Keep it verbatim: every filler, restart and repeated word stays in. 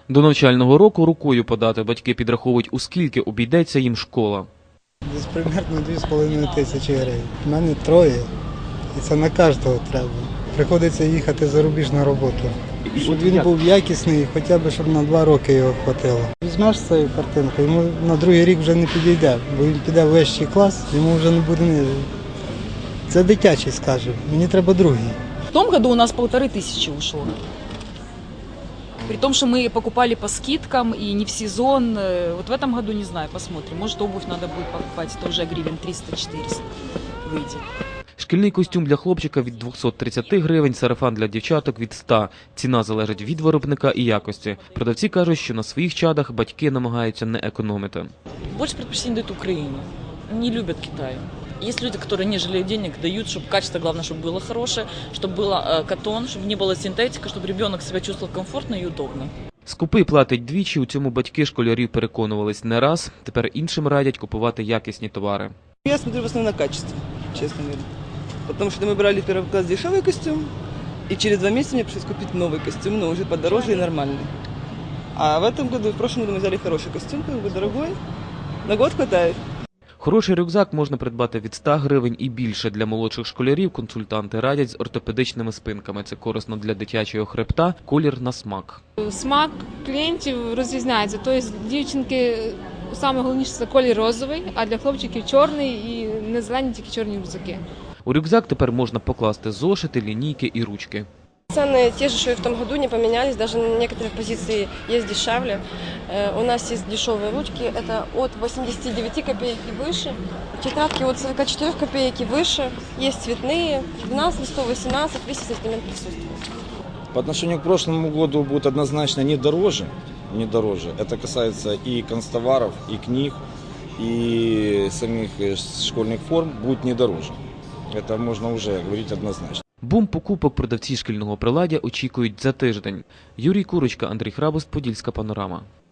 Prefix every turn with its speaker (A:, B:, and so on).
A: До навчального року рукою подати батьки підраховують, у скільки обійдеться їм школа.
B: Десь приблизно дві з половиною тисячі гривень. У мене троє, і це на кожного треба. Приходиться їхати за рубіж на роботу. Щоб він був якісний, хоча б щоб на два роки його хватило. Візьмеш цю картинку, йому на другий рік вже не підійде, бо він піде в вищий клас, йому вже не буде не. Це дитячий, скаже, мені треба другий.
C: В том году у нас полторы тысячи ушло. При том, что мы покупали по скидкам и не в сезон. Вот в этом году, не знаю, посмотрим. Может, обувь надо будет покупать, это уже гривен триста-четыреста выйдет.
A: Шкільний костюм для хлопчика від двохсот тридцяти гривень, сарафан для дівчаток від ста. Ціна залежить від виробника і якості. Продавці кажуть, що на своїх чадах батьки намагаються не економити.
C: Больше предпочтение дают Украине. Не любят Китай. Есть люди, которые не жалеют денег, дают, чтобы качество, главное, чтобы было хорошее, чтобы было катон, чтобы не было синтетика, чтобы ребенок себя чувствовал комфортно и удобно.
A: Скупий платить двічі, у цьому батьки школярів переконувались не раз. Тепер іншим радять купувати якісні товари.
D: Я смотрю в основном на качество, честно говоря. Потому что мы брали в первый класс дешевый костюм, и через два месяца мне пришлось купить новый костюм, но уже подороже и нормальный. А в этом году, в прошлом году мы взяли хороший костюм, как бы дорогой, на год хватает.
A: Хороший рюкзак можна придбати від ста гривень і більше. Для молодших школярів консультанти радять з ортопедичними спинками. Це корисно для дитячого хребта, колір на смак.
E: Смак клієнтів розрізняється. Тобто дівчинки, саме головніше це колір розовий, а для хлопчиків чорний і не зелені, тільки чорні рюкзаки.
A: У рюкзак тепер можна покласти зошити, лінійки і ручки.
F: Цены те же, что и в том году, не поменялись, даже на некоторых позициях есть дешевле. У нас есть дешевые ручки, это от восьмидесяти девяти копеек и выше. Тетрадки от сорока четырёх копеек и выше. Есть цветные, двенадцать листов, восемнадцать, весь ассортимент присутствует.
G: По отношению к прошлому году будет однозначно не дороже, не дороже. Это касается и канцтоваров, и книг, и самих школьных форм будет не дороже. Это можно уже говорить однозначно.
A: Бум покупок продавці шкільного приладдя очікують за тиждень. Юрій Курочка, Андрій Храбус, Подільська панорама.